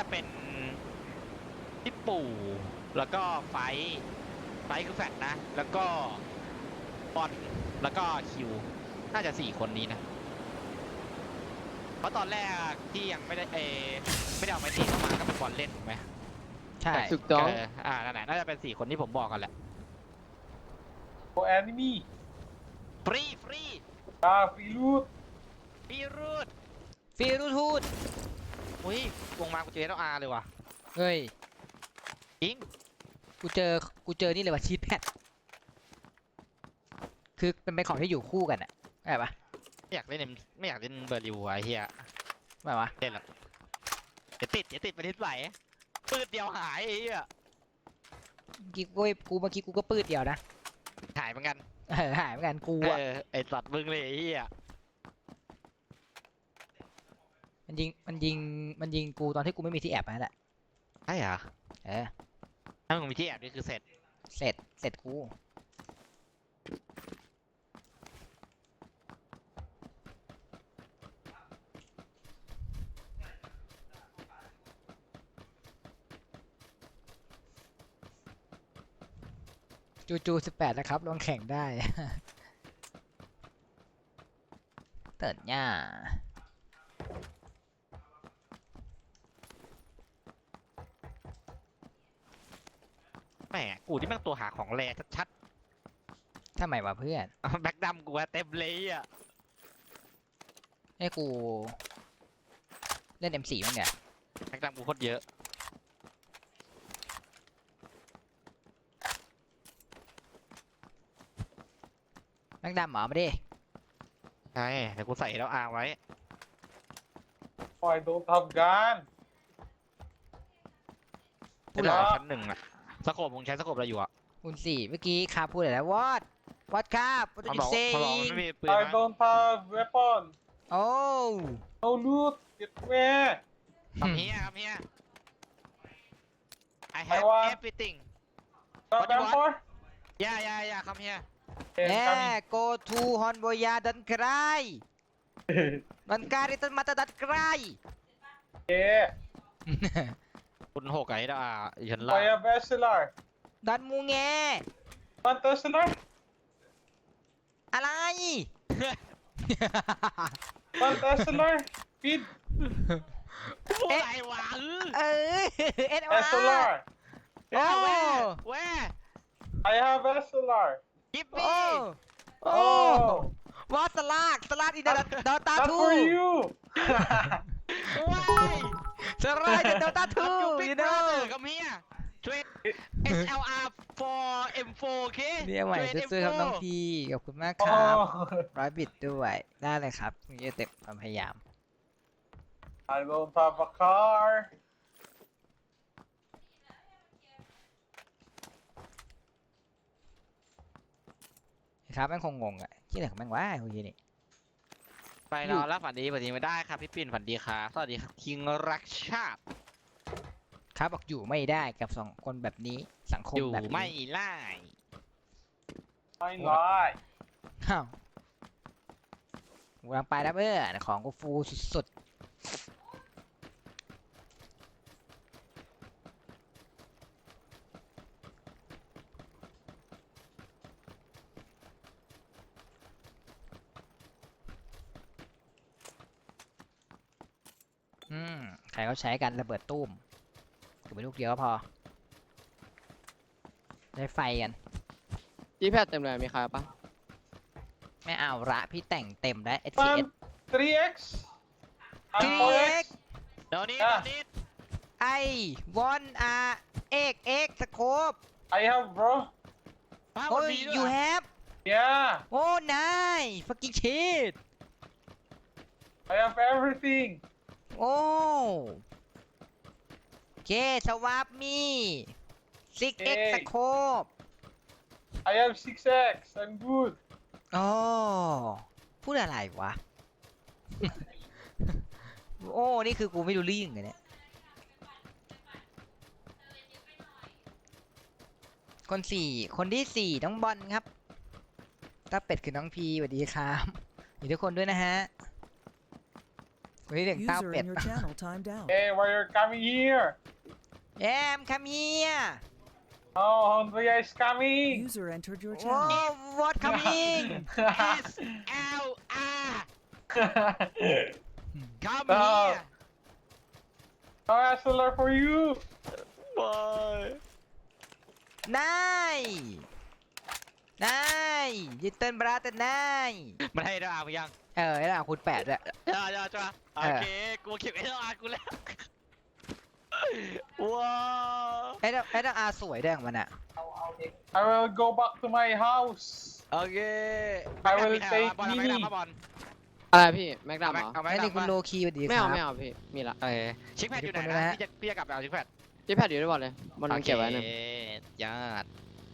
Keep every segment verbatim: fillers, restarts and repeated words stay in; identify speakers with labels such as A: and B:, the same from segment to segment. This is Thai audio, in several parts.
A: จะเป็นพี่ปู่แล้วก็ไฟไฟคือแฟตนะแล้วก็บอลแล้วก็คิวน่าจะสี่คนนี้นะเพราะตอนแรกที่ยังไม่ได้เอไม่ได้เอาไม้ตีเข้ามาก็เป็นบอลเล่นถูกไหม
B: ใช่
C: ถูกต้อง
A: เอออ่านั่นแหละน่าจะเป็นสี่คนที่ผมบอกกันแหละ
D: โอแอนนี่
A: ฟรีฟรี
D: ตาฟิลูด
A: ฟีรูด
B: ฟิรูทูด
A: อุ้ยวงมากูเจอแล้วอาร์เลยว่ะ
B: เฮ้ย
A: จริง
B: กูเจอกูเจอนี่เลยว่ะชีทแพดคือเป็นเป็นของที่อยู่คู่กันอะใช่ปะ
A: ไม่อยากเล่นเอ็มไม่อยากเล่นเบอร์ลิวไอ้เหี้ย
B: ไม่วะ
A: เล่นหรอกเดี๋ยวติดเดี๋ยวติดไปทิศไหลปืดเดียวหายไอ้เหี้ย
B: เมื่อกี้กูกูเมื่อกี้กูก็ปืดเดียวนะ
A: หายเหมือนกัน
B: เออหายเหมือนกันกู
A: เอ
B: อะ
A: อไอสัตว์มึงเลยไอ้เหี้ย
B: มันยิงมันยิงมันยิงกูตอนที่กูไม่มีที่แอบนั่นแหละ
A: ใช่เหรอ
B: เออ
A: ถ้ามึงมีที่แอบนี่คือเสร็จ
B: เสร็จเสร็จกู จูจูสิบแปดนะครับลงแข่งได้ เติร์ดย่า
A: แหมกูที่แม่งตัวหาของแร่ชัด
B: ทำไมวะเพื่อน
A: ๆ แบ็คดำกูอะเต็มเลยอ่ะ
B: ให้กู เล่น เอ็ม โฟร์ มั้งเนี่ย
A: แบ็คดำกูโคตรเยอะ
B: แม็กดำเหรอมาดิ
A: ใช่เดี๋ยวกูใส่แล้วอาร์ไว้
D: ไฟโดนทำการ
A: พูดหรอชั้นหนึ่งอะสโคปมึงใช้สโคปอะไรอยู่อะ
B: คุณสี่เมื่อกี้คาพูดอะไรนะวอดวอดครับวอด
A: มัน
B: ยู
A: บอก
B: เซ
A: มันบอกมันไม่มีปืน
D: ไอ
A: นะ
D: โดนทำเวปอน
B: โอ้
D: no loot get me
A: คำเฮียคำเฮีย I
D: I
A: have
D: want-
A: everything
D: the
A: What do you want?
D: vampire
A: ย่าย่าย่าคำเฮีย
B: แย่
D: coming
B: go to ฮอนโบยาดันไกรดันการิตันมาตาดันไกร
D: yeah
A: คุณหกไอ้ดาฉันล่า
D: Fire Bachelor
B: ดันมูแง
D: Fantaslar
B: อะไร
D: Fantaslar Feed
A: อะไรวะ
B: เออเอ็ดวา
D: Bachelor
A: เออแว่แว่
D: I have Bachelor
A: กิฟ
B: โอ้
A: มี่
B: โอ้
D: oh
B: วอสลากสลากอินเดดอตา
D: not
B: ทู
D: for you
A: ว้าย
B: สลากอินเดดอตาทู
A: ยูบิ๊ก
B: you
A: บรา
B: know
A: เธอคำเฮียช่วย เอส แอล อาร์ for เอ็ม โฟร์ โอเค
B: เนี่ยใหม่
A: ช่วย
B: ซื้อๆครับน้อง
A: เอ็มโฟร์
B: พีขอบคุณมากครับ
D: oh
B: ร้อยบิตด้วยได้เลยครับนี่จะเต็มความพยายาม
D: I don't have a car
B: ครับแม่งคงงงอ่ะที่ไหนของแม่งวะคุยนี่
A: ไปนอนแล้วฝันดีฝันดีไม่ได้ครับพี่ปิ่นฝันดีครับสวัสดีครับคิงรักชาติ
B: ครับบอกอยู่ไม่ได้กับสองคนแบบนี้สังคม
A: อยู่
B: แบบนี้
A: ไม่ไล่
D: ไม่ lie
B: อ้าวกูกำลังไปแล้วเพื่อนของกูฟูสุดๆอืมใครเขาใช้กันระเบิดตุ้มถือไปลูกเดียวก็พอได้ไฟกัน
C: จีแพดเต็มเลยมีใครปะ
B: ไม่เอาละพี่แต่งเต็มแล้ว เอส ที
D: I'm
B: เอส
D: three x I'm
B: ที
D: four
B: เอ็
D: x
B: ก
A: เดี๋ยวนี้
D: อ่ะ
A: เดี๋ยวนี้
B: ไอวอนอาเอ็กเอ็กสโคป
D: I have bro
A: ภาพ
B: โอ้
A: มัน
B: ย
A: มีด้วย
B: you
A: เหรอ
B: have
D: yeah
B: โอ้ nice fucking shit
D: I have everything
B: โอ้โอเคสวาปมีซิกเอ็ก
D: เอ้ย
B: สโคป
D: I have six x I'm good
B: โอ้พูดอะไรวะ โอ้ นี่คือกูไม่รู้เรื่องเลยเนี่ย คนสี่คนที่สี่น้องบอลครับตาเป็ดคือน้องพีสวัสดีครับอยู่ทุกคนด้วยนะฮะ คฮ้ยเสียงเต้า
E: User
B: เป็ด
E: in your channel timed out.
D: Hey, why you're coming here?
B: แอมคัมเฮีย
D: Oh, Andre is coming.
E: User entered your
B: โอ้
E: channel.
B: what coming
A: S L R come here
D: Oh, S L R for you.
B: นายนายยินเต้นบราเตนนาย
A: มันให้ดาวยัง
B: เออแล้วคุณแปดด้วย
A: จ้าจ้าจ้าโอเคกูเก็บไอ้ดาวกูแล้วว้าว
B: ไอ้ดอกไอ้ดอกอาสวยด้วยของมันอะ
D: I will go back to my house.
A: โอเค
D: I will take
A: บอลไม่
D: Mini.
A: ได้มาบอล
C: อะไรพี่แม็กดั
A: เอา
C: ม
A: ไหม
C: เหรอ
A: เอาไหม
B: ไอ้นี่คุณโล
A: ดำปะ
B: คีสวัสดีค
C: ไม่
B: รั
C: เอา
B: บ
C: ไม่เอาพี่มีละ
A: เออชิคแพดอยู่ไหน
B: ขอบคุณ
A: นะ
B: นะ
A: พี่จะพี่จะกลับไปเอาชิคแพด
C: ที่แพทอยู่ด้วยบอลเลยมันเก็บไว้หนึ่ง
A: โอเคยอด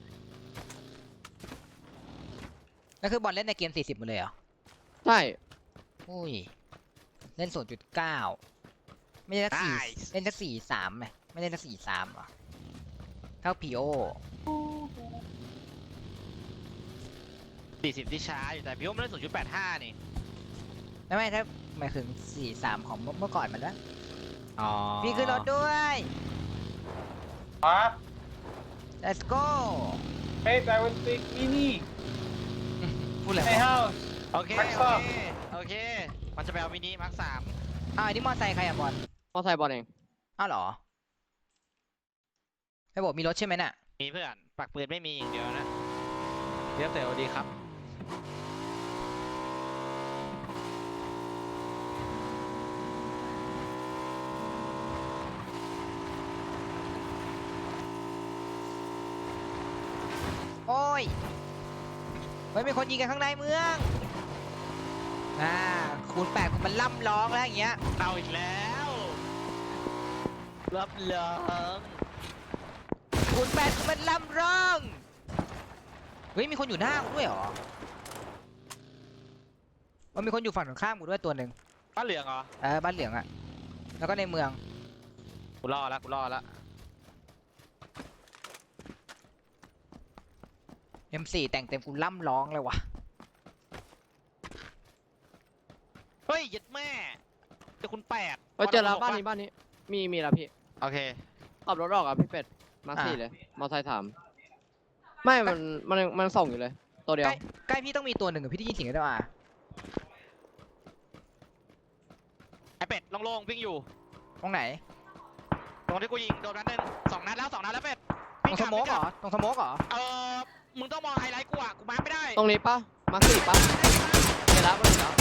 B: แล้วคือบอลเล่นในเกมสี่สิบหมดเลยเหรอ
C: ใช่
B: อุ้ยเล่นศูนย์จุดเก้าไม่ได้สักสี่เล่นสักสี่สามไหมไม่ได้สักสี่สามเหรอเท่าพีโอ
A: สี่สิบที่ช้าอยู่แต่พี่ว่ามันได้ศูนย์จุดแปดห้านี่
B: ไม่ไม่ถ้าหมายถึงสี่สามของเมื่อก่อนมันแล้ว
A: อ๋อ
B: พี่ขึ้นรถด้วย
D: Huh?
B: let's go
D: Wait, I will take Mini.
B: พูดอะไร
D: My
B: วะ
D: house.
A: โอเค
D: Max
A: โอ
D: up
A: เคโอเคมันจะไปเอามินิมาร์คสาม
B: อ้าวอันนี้มอไซค์ใครอะบอล
C: มอไซค์บอลเอง
B: อ้าวเหรอไอ้บอกมีรถใช่ไหมน่ะ
A: มีเพื่อนปักปืนไม่มีอย่างเดียวนะเรียบแต่ดีครับ
B: โอ้ยเฮ้ยมีคนยิงกันข้างในเมืองอ่าคูณแปดคูณมันล่ำร้องแล้วอย่างเงี้ย
A: เอาอีกแล้วรับรอง
B: คูณแปดคูณมันล่ำร้องเฮ้ยมีคนอยู่หน้ากูด้วยเหรอมันมีคนอยู่ฝั่งตรงข้ามกูด้วยตัวหนึ่ง
A: ป้าเหลืองเหรอ
B: เออบ้านเหลืองอะแล้วก็ในเมือง
A: กูรอแล้วกูรอแล้ว
B: เอ็มสี่แต่งเต็มกูล่ำร้องเลยวะ
A: เฮ้ยยัดแม่เจอคุณแปด
C: เฮ้ยเจอแล้วบ้านนี้บ้านนี้มีมีแล้วพี่
A: โอเค
C: ขับรถออกอ่ะพี่เป็ดมาสี่เลยมอไซค์ถามไม่มันมันมันส่งอยู่เลยตัวเดีย
B: ใก
C: ว
B: ล้ใกล้พี่ต้องมีตัวหนึ่งอะพี่ได้ยินเสียงได้ป่ะ
A: ไอเป็ดโล่งๆวิ่งอยู่
B: ตรงไหน
A: ตรงที่กูยิงโดนนัดหนึ่งสองนัดแล้วสองนัดแล้วเป็ด
B: ตรงสโมกเหรอตรงสโมกเหรอ
A: เออมึงต้องมองไฮไลท์กูอ่ะกูมาร์คไม่ได้
C: ตรงนี้ปะมาสี่ปะเห็นแล้วมันเห็นแล้ว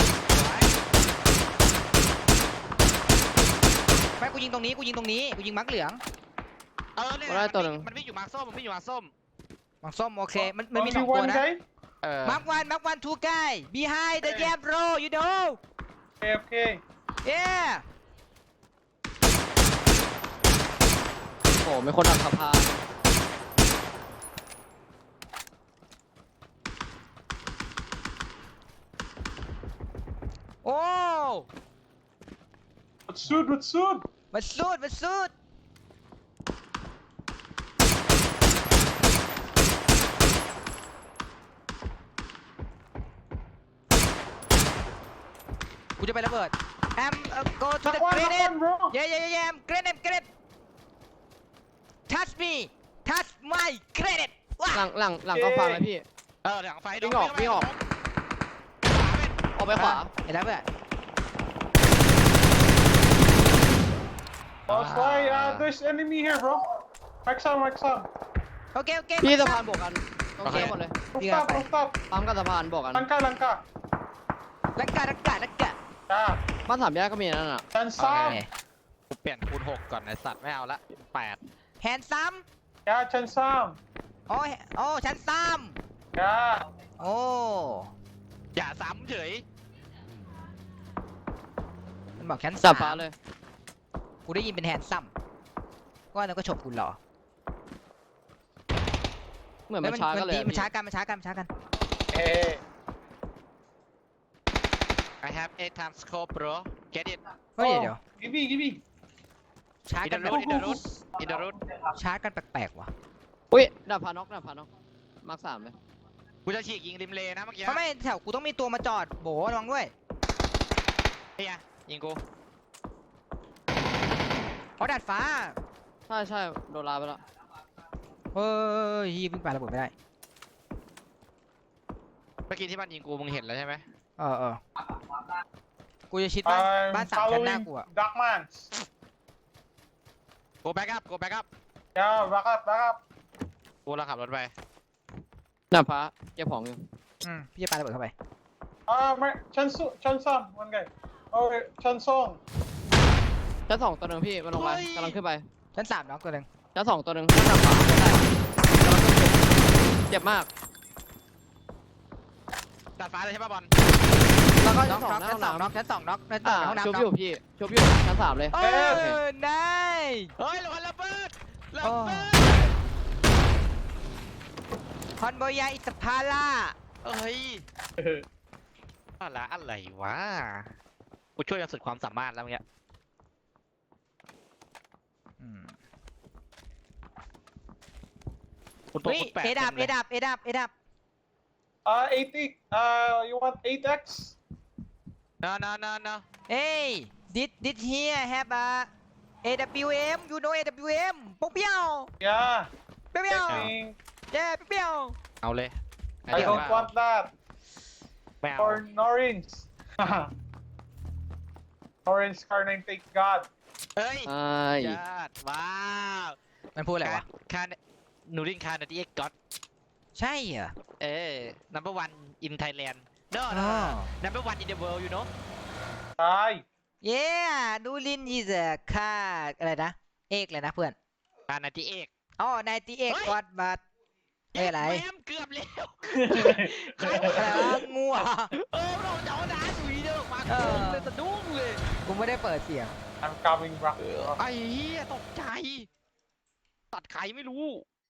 B: ไม่กูยิงตรงนี้กูยิงตรงนี้กูยิงมักเหลือง
A: เออเนี่ยมันวิ่งอยู่มาร์คส้มมันวิ่งอยู่มาร์คส้ม
B: มังส้มโอเคมันมันมี
D: Only
B: สองตัว
D: one
B: นะ
D: guy?
A: เออ
B: มักวันมักวันทูกาย behind the jab bro you know
D: Okay, okay.
B: yeah
C: โอ้ไม่คนดักสะพาน
B: โอ้
D: What's good? What's good?
B: มันสุดมันสุดกูจะไประเบิด am uh, go to the
D: Knock one, knock
B: grenade
D: one, bro.
B: yeah yeah yeah yeah grenade grenade touch me touch my grenade ว้า
C: หลังหลังหลังก็ฟังเลยพี่
A: เออหลังไฟ
C: วิ่งออกวิ่งออก ออกไปขวา
B: เห็นแล้วเพื่อน
D: Oh, sorry. Uh, there's enemy here, bro. Max on, max on.
B: โอเคโอเค
C: พี่สะพานบวกกันต้องเสียหมดเลย
D: Rooftop, rooftop.
C: ปั๊มกับสะพานบวกกัน
D: Langka, langka.
B: ลักกะลักกะลักกะ
D: Yeah.
C: บ้านสามแยกก็มีนั่นน่ะ
D: And
B: โอ
D: some.
B: เค
A: กูเปลี่ยนคูณหกก่อนไอสัตว์ไม่เอาละแปด
B: แฮนซัม
D: Yeah, Chan Sam.
B: โอ้ยโอ้ชั้นซัม
D: Yeah.
B: โอ้
A: อย่าซ้ำเฉย
B: มันบอกชั้น
C: จั
B: สา
C: บฟ้าม เลย
B: กูได้ยินเป็นแฮนซัมก็นั่นก็ฉกกูเหรอ
C: เหมือน
B: ฮ้
C: มันช้ากันเลย
B: ดี
C: อะ
B: มัน
C: พี่
B: ช้ากันมันช้ากันมันช้ากัน
D: Hey.
A: I have eight times scope bro get it
B: เฮ้ย
D: Oh,
B: เดี๋ยว
D: Give me, give me.
B: ช้า
A: in
B: กั
A: the
B: นแบบ
A: road in the road in the road
B: ช้ากันแปลกๆว่ะ
C: อุ้ยดับพานอกดับพานอกมาร์คสามเลย
A: กูจะฉีกยิงริมเลนะเมื่อกี้
B: เพราะไม่แถวกูต้องมีตัวมาจอดโบระวังด้วย
A: เฮียยิงกู
B: อ๋อดาดฟ้า
C: ใช่ใช่โดนลาไปแล้ว
B: เฮ้ยเพิ่งปาระเบิดไม่ได้
A: เมื่อกี้ที่มันยิงกูมึงเห็นแล้วใช่ไหม
B: เออเออกูจะชิดบ้าน
D: I'm
B: บ้านสามชั้นหน้า
D: following
B: กูอะ
D: Dark Man.
A: โกแบ็กอัพโกแบ็กอัพ
D: Yeah, back up, back up.
A: กูเราขับรถไป
C: หน้าฟ้าเก็บของอยู่
B: อืมพี่จะปาระเบิดเข้าไป
D: Uh, my Chansu, Chansan, one guy. Oh, wait, Chansong.
C: ชั้นสองตัวหนึ่งพี่มันลงไปกำลังขึ้นไป
B: ชั้นสามน็อกตัวหนึ่ง
C: ชั้นสองตัวหนึ่งชั้นหน้าฟ้าไม่ได้กำลังขึ้นไปเจ็บมาก
A: ดาดฟ้าเลยใช่ป่ะบอล
C: แล้วก็
B: น็
C: ชั้
B: อน ก
C: สอง
B: น็อก
C: หน้า
B: ชั้
C: ห้
B: น
C: อง
B: สองน็อกชั้นสอง
C: น้
B: น็อกชั้น
C: ำ
B: สอ
C: อ่าง
B: ห้องน้ำ
C: ชุบ
B: น็
C: อยู่
B: อก
C: พี่ชุบอยู่ชั้นสามเลย
B: โอ้
D: เอ
B: ยนาย
A: เฮ้ยระวังระเบิดระ
B: โอ้
A: เบิด
B: คอนโบยาอิสพาร่า
A: เอ้ยอะไรอะไรวะกูช่วยกันสุดความสามารถแล้วเมื่อกี้
B: อืม
A: คุณตัว
B: เฮ้ย
A: คุณแปด
B: เอดับ
A: ต็
B: เอ
A: มลย
B: ดับเอดับเอดับ
D: Uh, eight X. Uh, you want eight X?
A: no no no no
B: เอ้ย did did here have a เอ ดับเบิลยู เอ็ม you know เอ ดับเบิลยู เอ็ม ปุ๊บเปี้ยว
D: Yeah.
B: เปี้ยวเปี้ยว
D: Taking.
B: เย้ปุ๊บเปี้ยว
A: เอาเลย
D: I don't want that.
A: ไม่เอา
D: For Norins. Norins car name, thank God.
A: เฮ้ย
C: ใช่
A: ยอดว้าว
B: มันพูดอะไรวะ
A: คาหนูรินคานาดีเอ็กก็อด
B: ใช่เหรอ
A: เออ number one in Thailand no
B: อ๋
A: no
B: อ
A: number one in the world you know
D: Hi.
B: เย้ดูลินยีเซอร์ค่าอะไรนะ เอกเลยนะเพื่อน
A: คานาดีเอ็ก
B: อ๋อไนตี้เอกกอดบัตเอ้ยอะไร
A: แม่มเกือบแล้วใคร
B: อะไร
A: วะ
B: วะงูเหรอ
A: เออเราจะเอาน้าหนุ่ยเด้อมา
B: เออ
A: เลยสะดุ้งเลย
B: กูไม่ได้เปิดเสียง
D: I'm coming back.
A: ไอ้เหี้ยตกใจ ตัดใครไม่รู้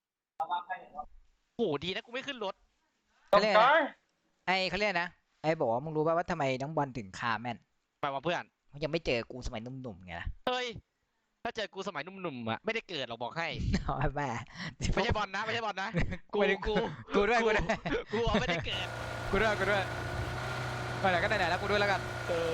A: โหดีนะกูไม่ขึ้นรถ
D: Some
B: Kali-
D: car?
B: ไอ้เขาเรียกนะ ไอ้บอกว่ามึงรู้ป่ะว่าทำไมน้องบอลถึงคาแม่น
A: ไปว่าเพื่อน
B: มันยังไม่เจอกูสมัยหนุ่มๆไงล่ะ
A: เฮ้ย ถ้าเจอกูสมัยหนุ่มๆอะไม่ได้เกิดเราบอกให้
B: เอาแม่
A: ไม่ใช่บอลนะ ไม่ใช่บอลนะ กู
B: ไม่ได้
A: กู
B: กูด้วยกูด้วย
A: กูเอาไม่ได้เกิด
B: กูด้วยกูด้วยไปไหนก็ไหนๆแล้วกูด้วยแล้วกัน
A: เออ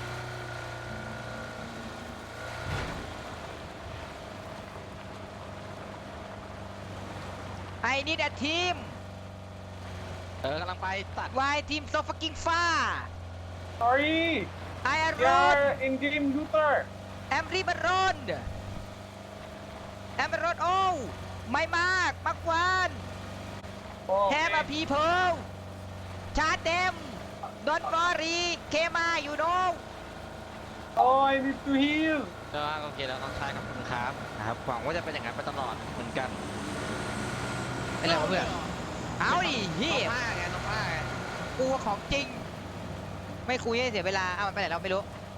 B: ไอ้นี่แหละทีม
A: เออกำลังไปตัด
B: วายทีมโซฟักกิ้งฟ้า
D: Sorry.
B: ไออารอน
D: You're in game looter.
B: แอมรีบารอนแอมรอนโอ้ไม่มากมักวาน
D: Oh,
B: แฮม
D: okay.
B: อะพีเพิลชาร์จเดมดอนฟอรีเคมาอยู่โน
D: Oh, I need to heal.
A: เออโอเคแล้วน้องชายกับคุณครับนะครับหวังว่าจะเป็นอย่างนั้นไปตลอดเหมือนกัน
B: เป็นไรวะเพื่อน เอาดิเฮี
A: น้อง
B: ย
A: ผ้าไงน้องผ้าไง
B: กูของจริง ไม่คุยให้เสียเวลา เอามันไปไหนเราไม่รู้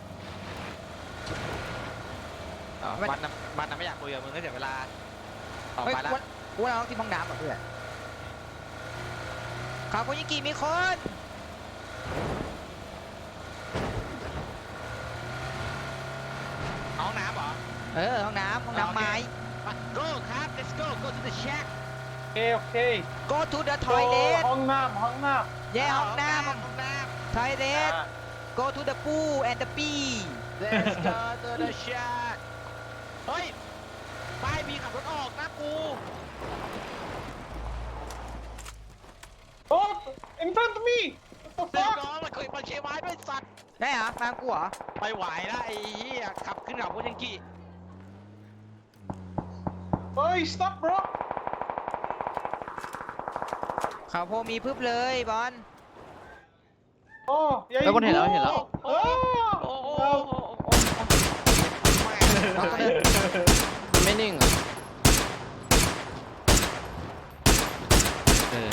A: อ๋อ
B: ไม่
A: มันน่ะมันน่ะไม่อยากคุยกับมึงก็เสียเวลาต่อ
B: เฮ้ย
A: ไปละ
B: กูกูว่าเราต้องที่ห้องน้ำก่อนเพื่อนขอบคุณยิงกีมีคน
A: เอาน้ำเหรอ
B: เออห้องน้ำห้องน้ำไม้
A: มา go ครับ let's go go to the shack
D: Okay, okay.
B: go to the
D: So,
B: toilet
D: Hong Nam, Hong Nam.
B: เย่ห้องน้
A: ห้องน้
B: ำ toilet
D: Ah.
B: go to the pool and the pee
A: ำ let's go to the shack เฮ้ยป้ายมีขับรถออกนะกู
D: Oh, in front of me. What the
A: เรียบ
D: fuck?
A: ร้อยมันเคยมันเชไม้ด้วยสัตว์
B: ได้เหรอมากูเหรอ
A: ไปไหวแล้วไอ้เหี้ยขับขึ้นเขาพูดยังกี้
D: Hey, stop, bro.
B: เขาโพมีพึบเลยบอล
D: Oh, yeah.
C: แล้ว
D: you
C: คนเห็นแล้ว
D: go.
C: เห็นแล้ว
A: โอ้โอ้
D: Oh.
A: โอ้
D: Oh.
A: โอ้โอ้แม่ง
B: น้องก็เดิน
C: มันไม่นิ่งอ่ะ
A: เออ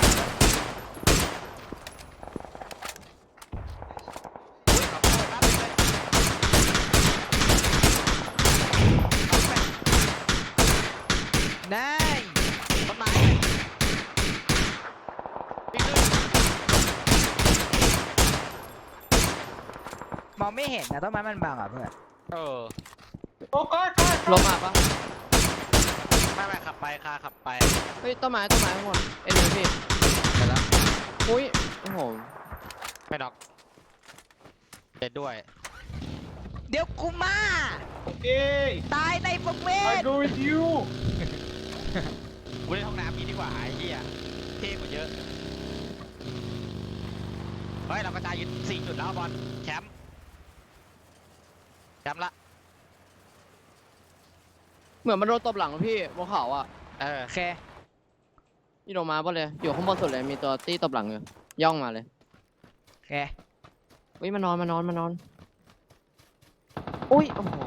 B: นาย
A: ต้นไม้ปีนขึ้น
B: มองไม่เห็นนะต้นไม้มันบังอ่ะเพื่อน
A: เออ
D: Oh, car, car,
C: ล
D: car.
C: มมาปะ
A: ไม่ไม่ขับไปคาขับไป
C: เฮ้ยต้นไม้ต้นไม้ทั้งหมดเอ็นหนึ่งพี่
A: ไปแล้ว
C: อุ้ยโอ้โห
A: ไม่น็อกเด็ดด้วย
B: เดี๋ยวกูมา
D: Okay.
B: ตายในประเว
D: I
B: ท
D: go with you.
A: กูเล่นห้องน้ำนี้ดีกว่าไอ้เหี้ยเท่กว่าเยอะเฮ้ยเรากระจายอยู่สี่จุดแล้วบอลแชมป์แชมป์ละ
C: เหมือนมันโดนตบหลังพี่บนเขาอ่ะ
A: เออ
B: โอเค
C: นี่ลงมาปะเลยอยู่ข้างบนสุดเลยมีตัวตี้ตบหลังอยู่ย่องมาเลย
B: โอเค
C: อุ้ยมานอนมานอนมานอนอุ้ยโอ้โห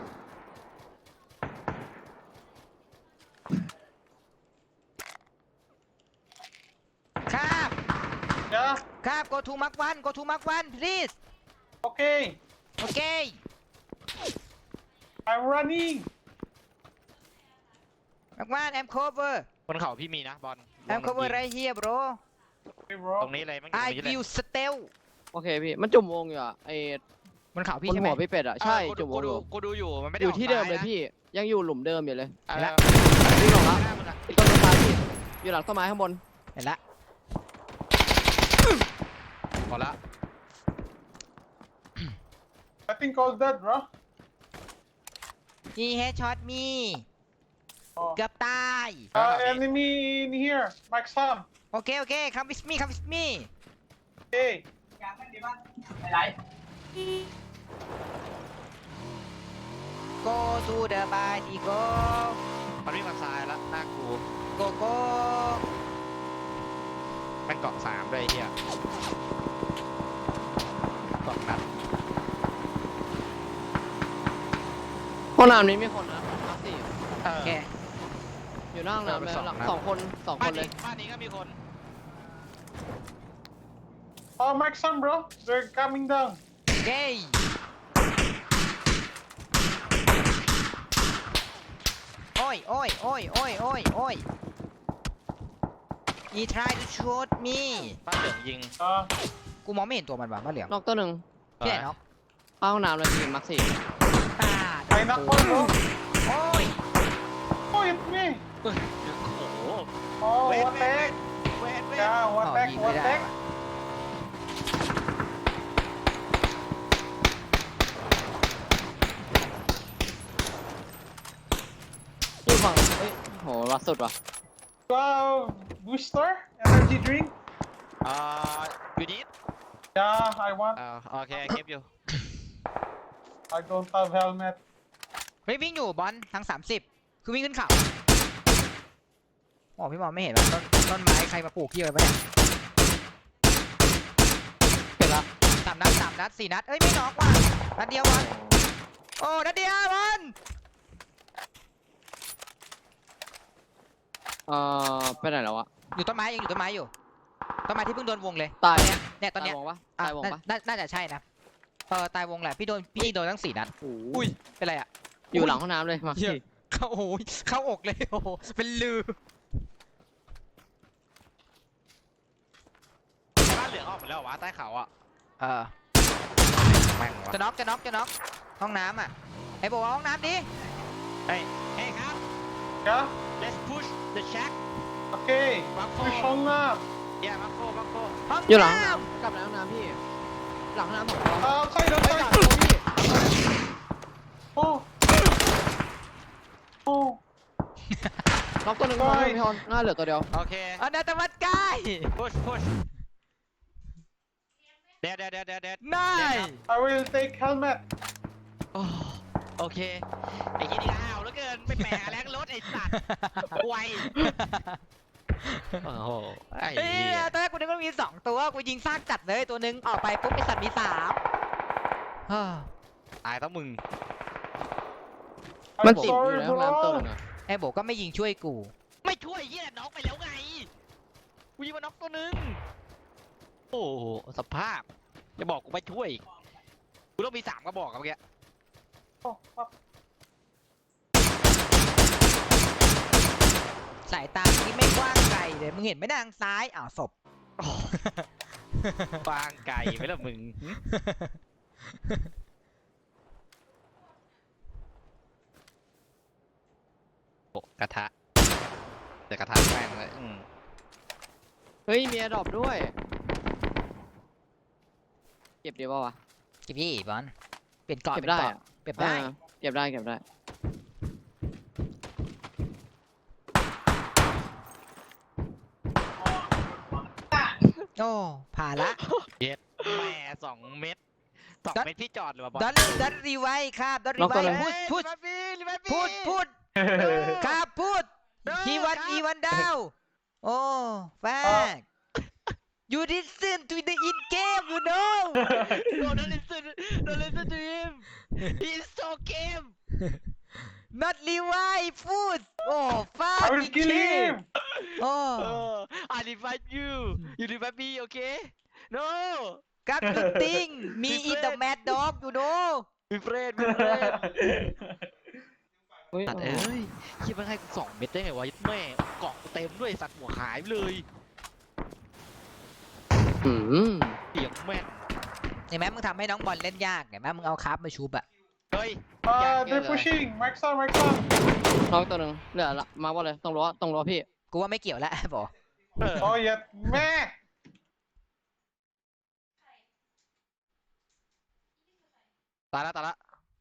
B: ครับ
D: Yeah.
B: ครับ go to mark one go to mark one please
D: Okay.
B: โอเค
D: I'm running.
B: mark one I'm cover
A: บนเขาพี่มีนะบอล
B: I'm cover right here bro
D: Okay, bro.
A: ตรงนี้เลยมันอยู่ตร
B: I
A: งนี้เลย
B: will steal
C: โอเคพี่มันจุ่มวงอยู่อ่ะไอ้
B: บนเขา
C: บ
B: พี่
C: น
B: ใช่ไหม
C: หัวพี่เป็ดอ่ะใช่
A: เออ
C: จุ่มว
A: กู
C: งอ
A: ดู
C: ยู่
A: กูดูอยู่มันไม่ได้
C: อยู่ที่เดิมเลย
A: ออกซ้านะ
C: พี่ยังอยู่หลุมเดิมอยู่เลย
A: เออ
B: แล้ว
C: วิ่งลง
A: ห
C: แล้ว
A: น้ามึงอะ
C: อีกต้นไม้พี่อยู่หลังต้นไม้ข้างบน
B: เห็นละ
A: หมดละ
D: I think all dead, bro.
B: he headshot me
D: Oh.
B: เกือบตาย
D: Uh, enemy in here. Mike Sam.
B: โอเคโอเค come with me come with me
D: Okay.
B: go to the party go
A: มันวิ่งมาซ้ายแล้วหน้ากู
B: go go
A: มันเกาะสามเลยไอ้เฮียสองนัด
C: ห้องน้ำนี้มีคนนะมาสี่
A: เอ
B: โอ
A: อ
B: เค
C: อยู่หน้าห้องน้ำเลย
A: เออไปสอง
C: หลัง
A: นัด
C: สองคนสองค
A: บ้าน
C: นเล
A: นี้
C: ย
A: บ้านนี้ก็มีคน
D: Oh, Mike Sam, bro. They're coming down.
B: เย้โอ้ยโอ้ยโอ้ยโอ้ยโอ้ยโอ้ย he try to shoot me
A: บ้านเหลืองยิง
D: Uh,
B: กูมองไม่เห็นตัวมันว่ะบ้านเหลือง
C: นอกตัวหนึ่ง
B: ที่ไหนเนาะ
C: เข้าห้องน้ำเลยพี่มักสี่
B: ตา
D: I knock one, bro.
B: โอ้ย
D: Oh, it's me.
A: โอ้โห
D: Oh,
A: Wait,
D: what
A: wait,
D: the heck?
A: เวทเวท
D: Yeah,
B: อ๋
D: what
B: อ
D: the heck?
B: ยิง
D: What
B: ไม่
D: the
B: ได้
D: heck?
B: ว่ะ
C: อยู่ฝั่งเฮ้ยโหล่าสุดว่ะ
D: Wow, booster? Energy drink?
A: อ่าอยู่นิด
D: Yeah, I want.
A: อ่าโอเคเก็บอยู่
D: I don't have helmet.
B: เฮ้ยวิ่งอยู่บอลทางสามสิบคือวิ่งขึ้นเขาโอ้พี่มองไม่เห็นว่าต้นต้นไม้ใครมาปลูกที่อะไรปะเนี่ย
C: เสร็จละ
B: สามนัดสามนัดสี่นัดเอ้ยไม่น็อกว่ะนัดเดียวบอลโอ้นัดเดียวบอล
C: เอ่อไปไหนแล้ววะ
B: อยู่ต้นไม้ยังอยู่ต้นไม้อยู่ต้นไม้ที่เพิ่งโดนวงเลย
C: ตาย
B: เนี้ยเนี่ยตอนเนี้ย
C: ตายวงปะ
B: อ่ะ
C: ตายวงปะ
B: น่าน่าจะใช่นะเออตายวงแหละพี่โดนพี่โดนทั้งสี่นัด
C: โอ้
B: อุ้ยเป็นไรอ่ะ
C: อยู่หลังห้องน้ำเลยมัก
B: เหี้ย
C: สี่
B: เข้าโอ้ยเข้าอกเลยโอ้โหเป็นลือ
A: บ้านเหลืองออกหมดแล้วเหรอวะใต้เขาอ่ะ
B: เออ
A: แม่งวะ
B: จะน็อกจะน็อกจะน็อกห้องน้ำอ่ะไอ้บอกว่าห้องน้ำดิ
A: เฮ้ยเฮ้ยครับ
D: Yeah?
A: let's push the shack
D: Okay.
A: Back
D: Push
A: home.
D: on up.
A: yeah มังโคมังโค
B: ห้อง
C: อยู่หลังห้อง
B: น้
C: น้ำกลับหลังห้องน้ำพี่ หลังห้องน้ำสองตัว
D: Uh, outside,
C: เฮ้ยหลัง
D: outside.
C: ตัวพี่
D: Oh. Oh.
C: น็อกตัวหนึ่ง
D: โอ้
C: น็อกตัวย หนึ่งพี่ฮอนหน้าเหลือตัวเดียว
A: โอเค
B: ำอันดัตวัดใกล้
A: push push เดี๋ยวเดี๋ยวเดี๋ยวเดี๋ยวเดี๋ยว
B: นาย
D: I will take helmet.
A: โอ้โอเคไอ้ยี่นี่อ้าวแล้วเกินไม่แปลแรงรถไอ้สัตว์ไวโอ้โหไอ้
B: เฮ้ย
A: เหี้ย
B: ตอนแรกกูนึกว่ามีสองตัวกูยิงซากจัดเลยตัวหนึงออกไปปุ๊บไอสัตว์มีสามเฮ้อ
A: ตายต้องมึง
C: มัน
D: I'm
C: ติดอยู่
D: sorry,
C: ในห้องน้ำตัวห
D: bro.
C: นึ่งอะ
B: ไอ้โบก็ไม่ยิงช่วยกู
A: ไม่ช่วยเหี้ยน็อกไปแล้วไงกูยิงมาน็อกตัวหนึงโอ้โหสภาพจะบอกกูไม่ช่วยอีกกูต้องมีสามกระบอกกับเมื่อกี้
D: Oh, fuck.
B: สายตาที่ไม่กว้างไกลเลยมึงเห็นไหมทางซ้ายอ้าวศพ
A: ฟางไก่ไหมล่ะมึงหึโอ้กระทะแต่กระทะแม่งเลยอืม
C: เฮ้ยมีแอร์ดรอปด้วย เก็บดีป่าวะ
B: กี่พี่บอลเปลี่ยนเกาะ
C: เก็บ
B: เปลี่ยน
C: ได้
B: เกาะ
C: อะ
B: เก็บได้
C: อ่าเก็บได้เก็บได้
B: โอ้ผ่านละ
A: เย็ดแม่สองเม็ดสอง
B: ดอท
A: เม็ดที่จอดหรือเปล่าบอล
B: ดอนดอนรีไวครับดอนรี
C: น็อก
B: ไว
C: ตัวหนึ่ง
B: พูดพูด
A: ลิเวอร์พูลลิเวอร์
B: พูดพูด ครับพูด
A: เออ
B: he วัน
A: ครับ
B: he วันดาวโอ้แฟก you listen to the in game you know
A: No, don't listen. Don't listen to him. He's so game.
B: not Levi พูดโอ้ fuck
D: I will kill him.
B: โอ้
A: Uh, I revive you. You revive me, okay? No.
B: ครับ you think me is the mad dog you know
A: We friend, we friend.
C: เฮ้ย
A: สัตว์เอ้ยคิดว่าให้กูสองเม็ดได้ไงวะแม่เกาะกูเต็มด้วยสัตว์หัวหายไปเลย
C: อืม
A: เสียงแม่น
B: เห็นไหมมึงทำให้น้องบอลเล่นยากเห็นไหมมึงเอาคราฟมาชุบอะ
A: เฮ้ย
D: Uh, they're pushing. Max on, Max on.
C: น็อกตัวหนึ่งเหลือละมาว่าเลยต้องรอต้องรอพี่
B: กูว่าไม่เกี่ยวแล้ว บอก
A: เออ
D: Oh, yeah. Meh.
A: ตายละตายละ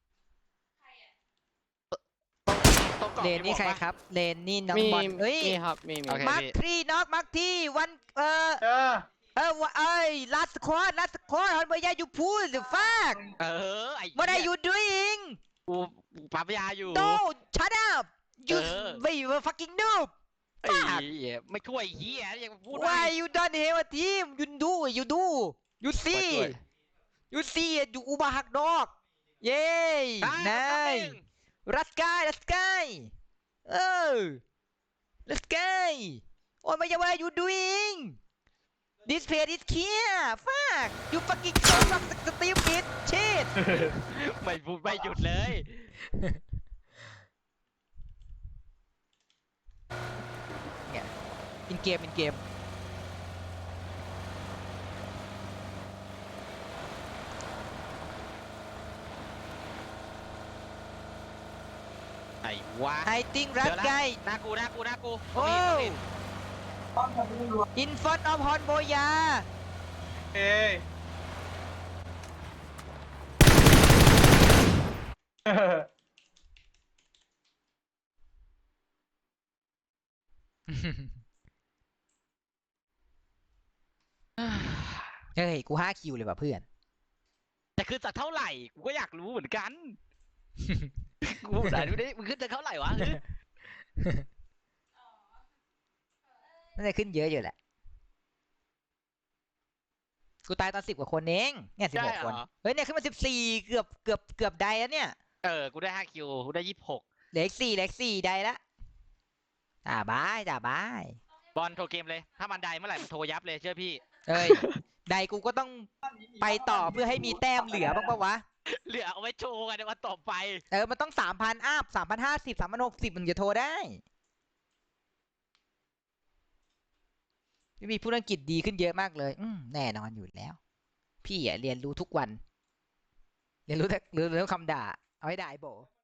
A: ตรงกาะ
B: เลนนี่
A: มีหมวก
B: ใคร
A: ปะ
B: ครับเลนนี่น้อง
C: มี
B: บอลเฮ้ย
C: มีครับมีมี
A: โอเค
B: มาร์คทรีน็อกมาร์คที่วันเออ
D: Yeah.
B: เออว่าเอ้ย last squad last squad ฮันเบย์ยา you pull the fuck
A: เออไอ้
B: what are
A: เหี้ย
B: you doing
A: กูปั๊มยาอยู่
B: no shut up you
A: เออ
B: wait you fucking noob
A: ไอ้เหี้ยไม่ช่วยไอ้เฮียยังพูด
B: why you don't have a team you do you do you
A: ไม่
B: see
A: ช่วย
B: you see อยู่อุบาหักดอกเย้
A: ได้
B: นาย
A: ครับ
B: รัสกายรัสกายเออรัสกายโอ้ยไม่ใช่ what are you doing this page is clear fuck you fucking so fuck stupid shit
A: ไม่พูดไม่หยุดเลย
B: เนี่ยอินเกมอินเกม
A: ไอ้วะ
B: I think รัสกาย
A: หน้ากูหน้ากูหน้ากู
B: โอ้ in front of Hon Boya
D: Hey.
B: เฮ้ยกูห้าคิวเลยว่ะเพื่อน
A: แต่คือจากเท่าไหร่กูก็อยากรู้เหมือนกัน กูไหนดูดิมึงขึ้นจากเท่าไหร่วะ
B: น่าจะขึ้นเยอะอยู่แหละ กูตายตอนสิบกว่าคนเองเนี่ยสิบหกคน เฮ้ยเนี่ยขึ้นมาสิบสี่เกือบเกือบเกือบไดแล้วเนี่ย
A: เออกูได้ห้าคิวกูได้ยี่สิบหก
B: เหลืออีกสี่เหลืออีกสี่ไดละจ่าบายจ่าบาย
A: บอลโทรเกมเลย ถ้ามันได้เมื่อไหร่มันโทรยับเลยเชื่อพี่
B: เอ้ย ไดกูก็ต้องไปต่อเพื่อให้มีแต้มเหลือบ้างปะวะ
A: เหลือเอาไว้โชว์กันในวันต่อไป
B: เออ มันต้องสามพันอัพสามพันห้าสิบสามพันหกสิบมันจะโทรได้พี่มีผู้อังกฤษดีขึ้นเยอะมากเลย อืมแน่นอนอยู่แล้ว พี่อ่ะเรียนรู้ทุกวัน เรียนรู้แต่เรียนรู้คำด่า เอาให้ได้โบ